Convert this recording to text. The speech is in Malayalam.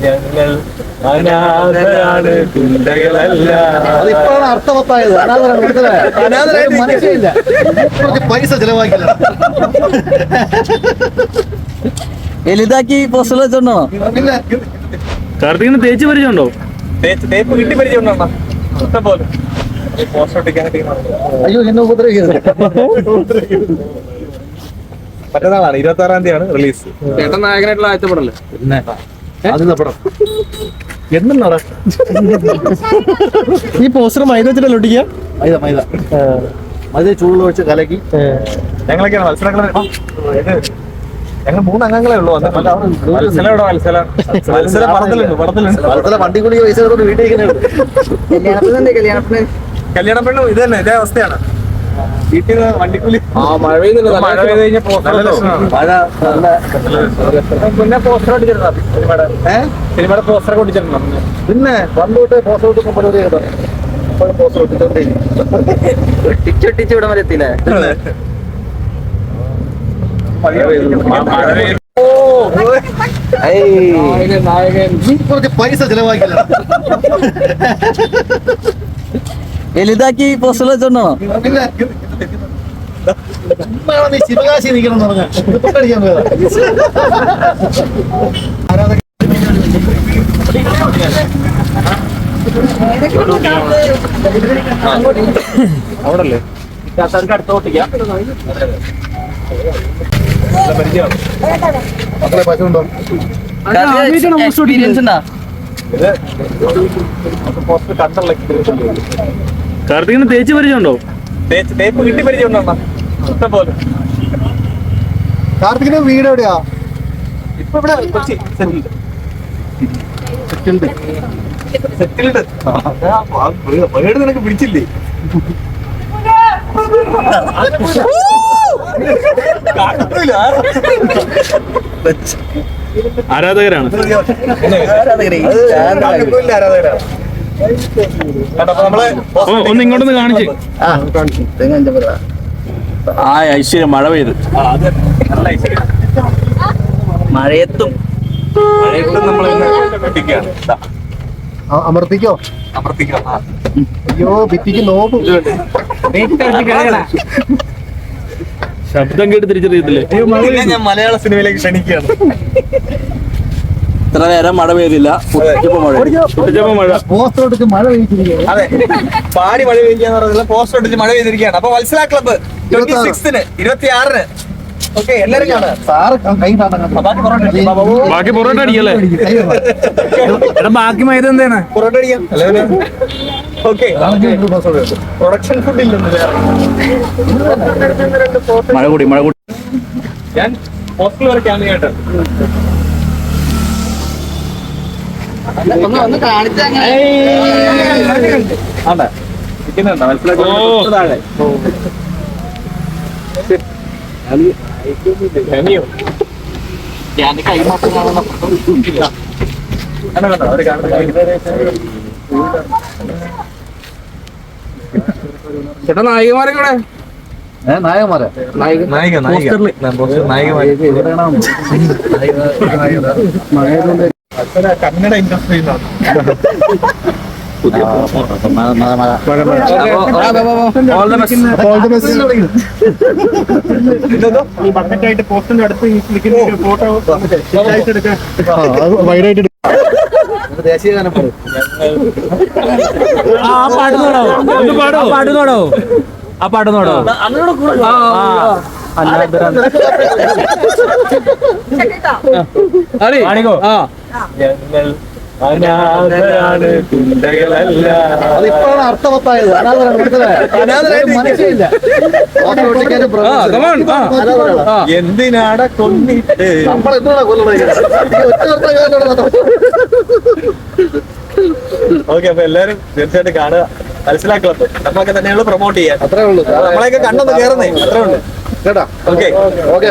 ഞങ്ങൾ അനാഥരാണ്, ഗുണ്ടകളല്ല. അതിപ്പോഴാണ് അർത്ഥവത്തായത്. അനാഥരായിട്ട് മനസ്സിലില്ല, കുറച്ച് പൈസ ചെലവാക്കില്ല. എലിതാക്കി പോസ്റ്റർ വെച്ചോണ്ടോ? പിന്നെ കാർത്തികിന് തേച്ച് പരിചയമുണ്ടോ? തേപ്പ് കിട്ടി പരിചയമുണ്ടോ? ഇഷ്ടം പോലെ പോസ്റ്റർ ഒട്ടിക്കാനൊക്കെ. അയ്യോ, എന്നെ ഉപദ്രവിക്കരുത്. മറ്റന്നാളാണ് 26-ാം തീയതിയാണ് റിലീസ്. ചേട്ടൻ നായകനായിട്ടുള്ള ആദ്യത്തെ പടല്ലേ? പിന്നെ ആദ്യത്തെ പടം എന്തെന്നാടാ ഈ പോസ്റ്റർ മൈദ വെച്ചിട്ടല്ലോ ഒട്ടിക്കുക? മൈദ ചൂടുള്ള വെച്ച് കലക്കി ഞങ്ങളൊക്കെയാണ് മത്സരങ്ങൾ. ഞങ്ങൾ 3 അംഗങ്ങളേ ഉള്ളൂ. മത്സരം ഇവിടെ മത്സരം പടത്തിലുണ്ട്. വണ്ടി കൂടി പൈസ കൊണ്ട് വീട്ടിൽ കല്യാണ പെണ്ണും ഇത് തന്നെ, ഇതേ അവസ്ഥയാണ്. വീട്ടിൽ നിന്ന് വണ്ടിക്കൂലി. മഴ പെയ്യുന്നില്ല. മഴ പെയ്ത് കഴിഞ്ഞാൽ പിന്നെ പോസ്റ്റർ ഒട്ടിച്ചിട്ടുണ്ടോ? സിനിമയുടെ പോസ്റ്റർ ഒക്കെ ഒട്ടിച്ചിട്ടുണ്ടോ? പിന്നെ പണ്ടോട്ട് പോസ്റ്റർ ഒട്ടിക്കാൻ പരിപാടി ചെയ്തോ? പോസ്റ്റർ ഒട്ടിച്ചോണ്ടേ ഒട്ടിച്ചൊട്ടിച്ച് ഇവിടെ വരെ എത്തിയില്ലേ? കുറച്ച് പൈസ ചെലവാക്കില്ല. എലിതാക്കി പോസ്റ്റർ വെച്ചോണ്ടോ? പിന്നെ നീ ശിവകാശി നിൽക്കണം എന്ന് പറഞ്ഞാൽ തൊട്ടടിക്കാൻ പോയതാ. അവിടല്ലേ അടുത്തോട്ടിക്കാം. മക്കളെ പശു ഉണ്ടോ? എക്സ്പീരിയൻസ് ഉണ്ടാ? ഇത് പോസ്റ്റർ കണ്ടുള്ള കാർത്തികിന് തേച്ച് പരിചയമുണ്ടോ? തേപ്പ് കിട്ടി പരിചയമുണ്ടോ? ഇഷ്ടം പോലെ. കാർത്തികിന്റെ വീട് എവിടെയാ? ഇപ്പൊ ഇവിടെ കൊച്ചി സെറ്റിൽഡ്. വീട് നിനക്ക് പിടിച്ചില്ലേ? ആരാധകരാണ്. ഒന്ന് ഇങ്ങോട്ടൊന്ന് കാണിച്ച്. ആ ഐശ്വര്യം മഴ പെയ്ത്. മഴയത്തും നമ്മൾ ഒട്ടിക്കുകയാണ്. അമർത്തിക്കോ? അമർത്തിക്കാം. അയ്യോ, ഭിത്തിക്ക് നോക്കും. ശബ്ദം കേട്ട് തിരിച്ചറിയത്തില്ലേ? ഞാൻ മലയാള സിനിമയിലേക്ക് ക്ഷണിക്കുകയാണ്. ഇത്ര നേരം മഴ പെയ്തില്ല. മഴ പോസ്റ്റർ ഒട്ടിച്ച് മഴ പെയ്തിരിക്കുകയാണ്. അതെ, പാടി മഴ പെയ്യാന്ന് പറഞ്ഞാൽ പോസ്റ്റർ ഒട്ടിച്ച് മഴ പെയ്തിരിക്കുകയാണ്. അപ്പൊ വത്സല ക്ലബ്ബ് 26-ന് 26-ന് ഓക്കെ, എല്ലാരും കാണാം. സാറ് കൈ ബാക്കി പൊറോട്ട അടിക്കല്ലേ? ബാക്കി മൈദ എന്താണ്? പൊറോട്ട അടിക്കാം. ഓക്കെ, പ്രൊഡക്ഷൻ ഫുഡ് ഇല്ലെന്ന്. മഴ കൂടി. ഞാൻ ഹോസ്റ്റൽ വരെ ക്യാമ്പ് ചെയ്യട്ടെ. ഒന്ന് കാണിച്ചാ ആണ്ടാ ഇരിക്കുന്നുണ്ടോ? മനസ്സിലാക്കി താഴെ കൈ മാത്രം ചേട്ടാ നായികമാരെ കൂടെ നായകന്മാരെ കന്നഡ ഇൻഡസ്ട്രി ബക്കറ്റായിട്ട് പോസ്റ്റിന്റെ അടുത്ത് ഫോട്ടോ വൈഡായിട്ട് ദേശീയ ഗാനം പാടുന്നോടോ? ആ പാടുന്നോടോ? ഞങ്ങൾ അനാഥരാണ്, ഗുണ്ടകളല്ല. അതിപ്പോഴാണ് അർത്ഥവത്തായത്. അനാഥരായിട്ട് മനസ്സിലില്ല. എന്തിനാട കൊന്നിട്ട് നമ്മളെന്താണ് കൊല്ലണത്? ഓക്കെ, അപ്പൊ എല്ലാരും തീർച്ചയായിട്ടും കാണുക. മനസ്സിലാക്കളത് നമ്മളൊക്കെ തന്നെയാണ് പ്രൊമോട്ട് ചെയ്യാൻ. അത്രേ ഉള്ളൂ. നമ്മളെയൊക്കെ കണ്ടൊന്ന് കയറുന്നേ, അത്രേ ഉള്ളൂ കേട്ടാ. ഓക്കെ.